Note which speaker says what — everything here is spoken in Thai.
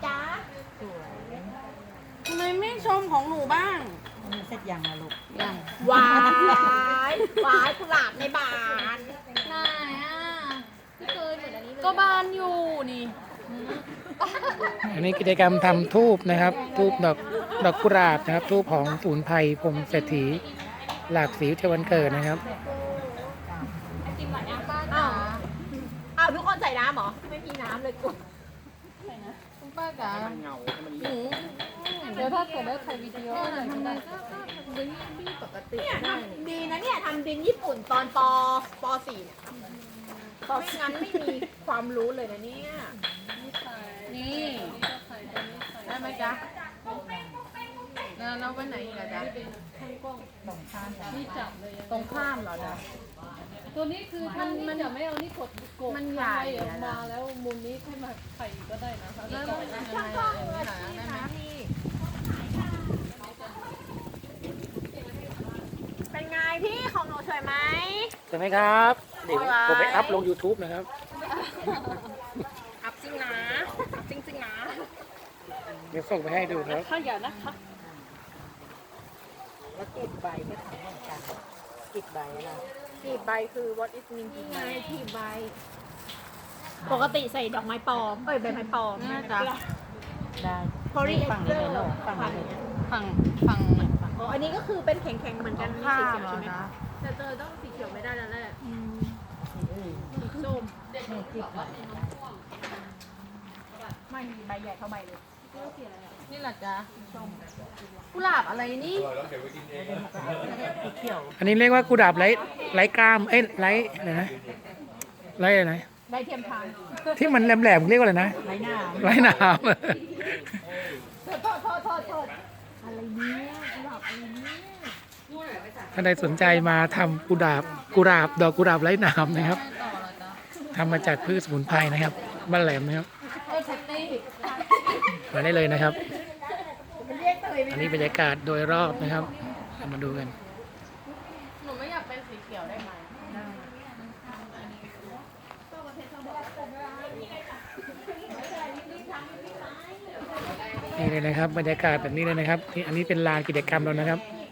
Speaker 1: จ๊ะ
Speaker 2: สวย
Speaker 3: ทำไมไม่ชมของหนูบ้าง
Speaker 2: มีเสร็จยังนะลูก
Speaker 3: ยัง
Speaker 1: หวายหวายกุหลาบในบาน
Speaker 3: ไหนอ่ะไม่เคยเหมือนอันนี้เลยก็บานอยู่นี่
Speaker 4: อันนี้กิจกรรมทำทูบนะครับทูบดอกกุหลาบนะครับทูบของศูนย์ภัยพรหมเศรษฐีหลากสีเทวันเกิดนะครับ
Speaker 1: อ้าวอ้าวทุกคนใส่น้ำเหรอ ไม่มีน้ำเลยกู
Speaker 3: คุณป้าจ๋าหนูเดี๋ยวถ้าเกิดได้ถ่ายวิดีโอหน่อยก็ได้ก็ดึงพี่ปกติ
Speaker 1: เนี่ยทำดีนะเนี่ยทำดินญี่ปุ่นตอนป .4 เนี่ยไม่งั้นไม่มีความรู้เลยนะเนี่ย
Speaker 3: นี่ได้ไหมจ๊ะแล้วเราไปไหนอีกอะจ๊ะ
Speaker 2: สองข้างกัน
Speaker 5: นี่จับเลย
Speaker 3: ตรงข้ามเหรอจ๊ะ
Speaker 5: ตัวนี้คือถ้านี่จะไม่เอานี่กดกด
Speaker 3: มันใหญ่
Speaker 5: ออก
Speaker 3: อะ
Speaker 5: มา
Speaker 3: นะ
Speaker 5: แล้วมุมนี้ให้มาไข่ก็ได้นะคะ
Speaker 3: แล้วมันยังไงอะอย่างนี้เหรอได้ไหม
Speaker 1: เป็นไงพี่ของหนูสวยไหม
Speaker 4: ใช่ไหมครับเดี๋ยวผมไปอัพลง YouTube นะครับ
Speaker 1: อัพจริงนะอัพจริงๆนะ
Speaker 4: เดี๋ยวส่งไปให้ดูครับ
Speaker 5: ถ้าอย่านะคะ
Speaker 2: แล้วกีบใบก็ทำเหมือนกันกีบใบอะไร
Speaker 1: กีบใบคือ what is mean กีบใบกีบใบ ปกติใส่ดอกไม้ปลอมใบไม้ปลอม
Speaker 3: น่าจะ
Speaker 2: ได้
Speaker 1: พอรี
Speaker 2: ฝั่งนี้เลยลูกฝั่งนี้เลย
Speaker 3: ฝั่งฝั่ง
Speaker 1: อ๋ออันนี้ก็คือเป็นแข็งๆเหมือนกันมี
Speaker 3: ข้า
Speaker 1: สี
Speaker 3: ม
Speaker 1: เขียว
Speaker 3: เหร
Speaker 1: ใช่
Speaker 3: อ
Speaker 1: ไหม
Speaker 3: จ๊ะ
Speaker 1: แต่เจอต้องสีเขียวไม่ได้แล้วแหละ
Speaker 2: อื่น
Speaker 1: สีส้ม
Speaker 2: นี่กีบใบ
Speaker 1: ไม่มีใบใหญ่เท่าใบเลย
Speaker 3: นี่แหละจ๊ะกุหลาบอะไรนี่
Speaker 2: สีเขียว
Speaker 4: อันนี้เรียกว่ากุหลาบไร้กล้ามเอ้ยไร้อะไรนะไร้อะไรนะ
Speaker 1: ใบเทียมทาน
Speaker 4: ที่มันแหลมๆเรียกว่าอะไรนะ
Speaker 2: ไม้หน้า
Speaker 4: ไร้หนาม
Speaker 1: โทษอะไรเนี่ยกุหลาบอะไรเนี่ย
Speaker 4: ถ้าใดสนใจมาทำกุหลาบดอกกุหลาบไร้หนามนะครับ
Speaker 3: ต่อเหรอจ๊ะ
Speaker 4: ทำมาจากพืชสมุนไพรนะครับบ้านแหลมนะครับ
Speaker 3: เซตตี้
Speaker 4: มาได้เลยนะครับ
Speaker 1: มันเรียกเตยไหม
Speaker 4: อันนี้บรรยากาศโดยรอบนะครับเรามาดูกัน
Speaker 3: หนูไม่อยากเป็นสีเขียวได้ไหม
Speaker 4: นี่เลยนะครับบรรยากาศแบบนี้เลยนะครับนี่อันนี้เป็นลานกิจกรรมแล้วนะครับ